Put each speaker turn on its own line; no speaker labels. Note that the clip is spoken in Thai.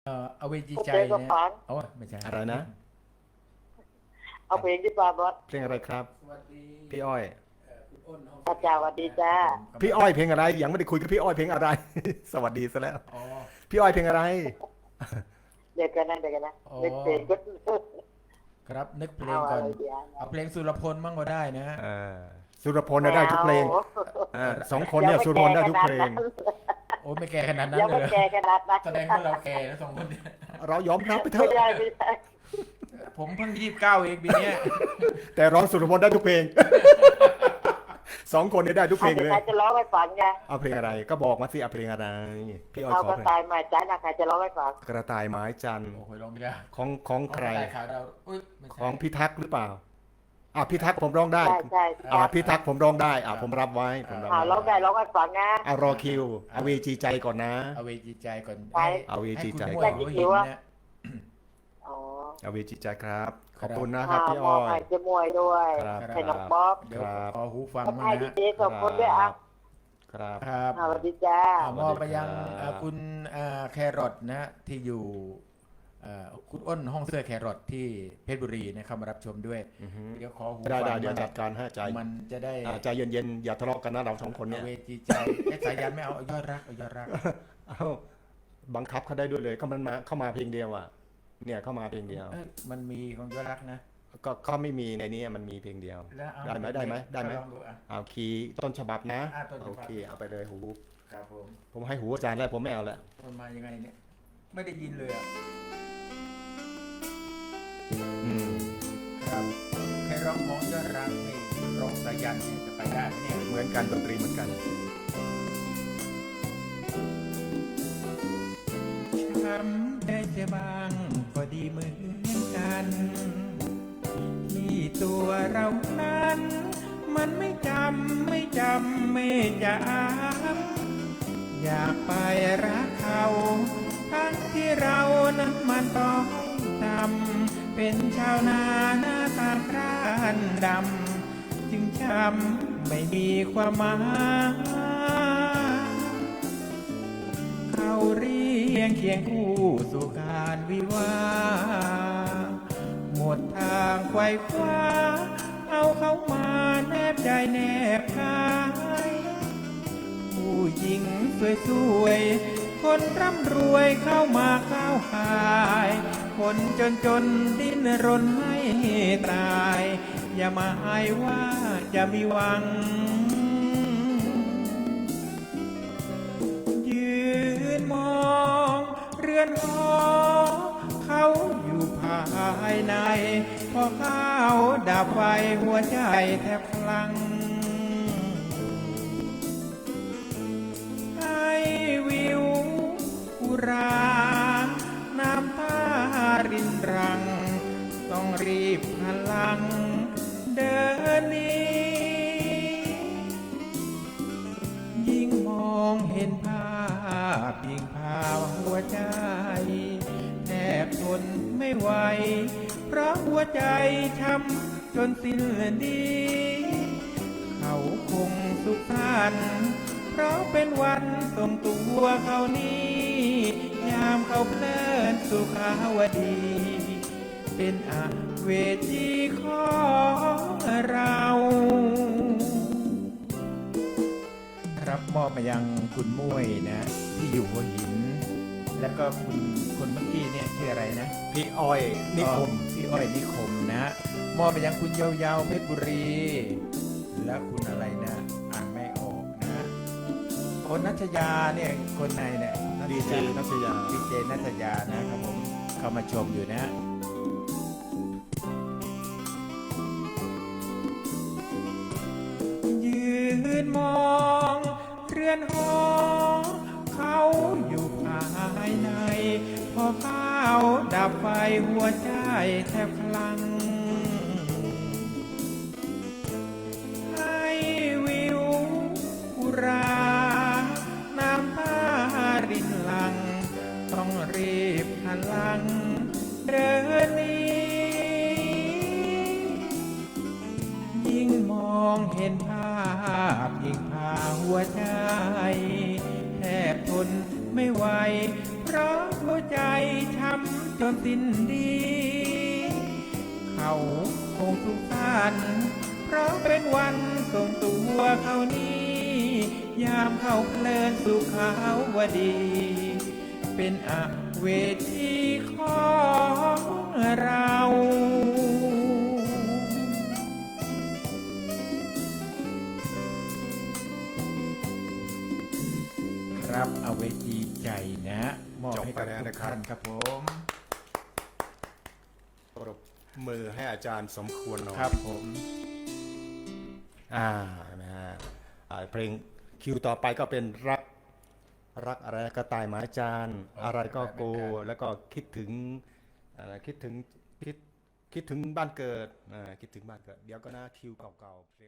เอาเวจีใจ
เพลงก็
เนี่ย
ฟัง
โอ้ยไม่ใช่
อะไรนะ
เอาเพลงที่ปาบอส
เพลงอะไรครับ
สวัสดี
พี่อ้อย
คุณอ้นห้อง
อาจารย์สวัสดีจ้า
พี่อ้อยเพลงอะไรยังไม่ได้คุยกับพี่อ้อยเพลงอะไร สวัสดีซะแล้ว
อ๋อ
พี่อ้อยเพลงอะไร
เด็กกันนะเด็กกันนะ
อ๋อ
เด็กเพลงก็
ครับนึกเพล
เอา
งก่
อะ
อน
ไรดีอ่ะ
เอาเพลงสุรพลมั่งก็ได้นะฮะ
เออสุรพลน่ะได้ทุกเพลงสองคนเนี่ยสุรพลได้ทุกเพลง
โอ้ไม่แก่ขนาดนั้น
ยัง
เลย
ไม่
เหรอ
แก่ขนาดนั้น
แสดงว่าเราแก่แล้วสองคนเนี่ย
เรายอมรับไปเถ
ไม่
อะ
ได้ไม่ได้
ผมเพิ่ง29เองปีเนี้ย
แต่ร้องสุรพลได้ทุกเพลง สองคนเนี่ยได้ทุกเพลงเลย
ใครจะร้องให้ฟังไง
เอาเพลงอะไรก็บอกมาสิเอาเพลงอะไรพี่อ้อย
เอา
ขอก
ระ
เพลง
ต่ายมาจ้านะใครจะร้องให้ฟัง
กระต่ายไม้จันทร์
โอ้โหร้องไม่ได้
ของใคร
ของข่าวเราอุ้ยไม่ใช่
ของพี่ทักษ์หรือเปล่าพี่ทักษ์ผมร้องได้
ใช่ใช่
พี่ทักษ์ผมร้องได้ผมรับไว้ผมรับ
ร้อง
ไว้
ได้ร้องให้ฟังนะ
เอารอคิวเอาเวจีใจก่อนนะ
เอาเวจีใจก่อน
ไป
เอาเวจีใจ
ให้
ก่
คุ
อ
ณ
น
มวยหัวหินเนี่ย
อ๋อ
เอาเวจีใจครับ ขอบ
ครับ
คุณนะครับพี่
ม
อ้
อ
อง ย
ให้เจมวยด้วย
ครับ
ให้น้องบ๊อบ
เดี๋ยว
ครับ
ขอหูฟังมา
ให้
นะ
ดี
ฮะ
เจสองคนด้วยอ่ะ
ครับ
ครับ
สวัสดีจ้า
มอบไปยัง
สวัสดีครับ
คุณแครอทนะฮะที่อยู่คุณอ้นห้องเสื้อแครอทที่เพชรบุรีนะเข้ามารับชมด้วย
อือฮึ
เดี๋ยวขอหู
ได้
ฟัง
เดี๋ยวจัดการให้ใจ
มันจะได้
ใจเย็นๆอย่าทะเลาะกันนะเราสองคนเนี่ย
เวจีใจสายยันไม่เอายอดรักเอายอดรัก
เอาบังคับเขาได้ด้วยเลยเขามันมาเข้ามาเพลงเดียวอ่ะเนี่ยเข้ามาเพลงเดียว
มันมีของยอดรักนะ
ก็เขาไม่มีในนี้มันมีเพลงเดียว
แล้วเอา
ได้ไหมได้ไหม
ลองดูอ่ะ
เอาคีย์ต้นฉบับนะ
ต้นฉบับ
โอเคเอาไปเลยหู
ครับผม
ผมให้หูอาจารย์แล้วผมไม่เอาแล้ว
มันมายังไงเนี่ยไม่ได้ยินเลยอ่ะ
อืม
ครับแค่ร้องของยอดรักนี่ร้องสายันเนี่ยจะไปได้ไหมเนี่ย
เหมือนกันดนตรีเหมือนกัน
ทำได้แต่บางก็ดีเหมือนกัน ที่ตัวเรานั้น มันไม่จำไม่จำอยากไปรักเขาทั้งที่เรานั้นมันต้องทำเป็นชาวนาหน้าตาคร้านดำจึงช้ำไม่มีความหมายเขาเรียงเคียงคู่สู่การวิวาห์หมดทางไขว่คว้าเอาเขามาแนบใจแนบกายผู้หญิงสวยๆคนร่ำรวยเข้ามาเข้าหายคนจนดิ้นรนให้ตายอย่ามาอายว่าจะมีหวังยืนมองเรือนหอเขาอยู่ภายในพอข้าวดับไฟหัวใจแทบพลังให้วิวอุราน้ำตารินรังต้องรีบพลังเดินหนี้ยิ่งมองเห็นภาพยิ่งพาหัวใจแทบทนไม่ไหวเพราะหัวใจช้ำจนสิ้นดีเขาคงสุขสันต์เพราะเป็นวันส่งตัวเขานี้ยามเขาเพลินสุขาวดี เป็นอาเวทีของเรารับมอบมายังคุณมุ้ยนะที่อยู่หัวหิน แล้วก็คุณคนเมื่อกี้เนี่ยชื่ออะไรนะ
พี่อ้อยนิคม
พี่อ้อยนิคมนะมอบไปยังคุณยาวๆเพชรบุรี แล้วคุณอะไรนะอ่านไม่ออกนะคนนัชยาเนี่ยคนไหนเนี่ย
ดีเจนัชยา
ดีเจนัชยานะครับผมเข้ามาชมอยู่นะยืนมองเรือนหอเขาอยู่ภายในพอข้าวดับไฟหัวใจแทบพลังให้วิวอุราน้ำตารินหลังต้องรีบหันหลังเดินหนียิ่งมองเห็นภาพยิ่งพาหัวใจแทบทนไม่ไหวเพเพราะหัวใจช้ำจนสิ้นดี เขาคงสุขสันต์เพราะเป็นวันส่งตัวเขานี้ ยามเข้าเพลินสุขาวดี เป็นอเวทีของเรา ครับเอาเวทีใจนะมอบให้กับทุกท่านครับผม
ปรบมือให้อาจารย์สมควรหน่อย
ครับผม
นะฮะเพลงคิวต่อไปก็เป็นรักอะไรก็ตายหมาจานอะไรก็โกแล้วก็คิดถึงคิดถึงบ้านเกิดคิดถึงบ้านเกิดเดี๋ยวก็นะคิวเก่าๆ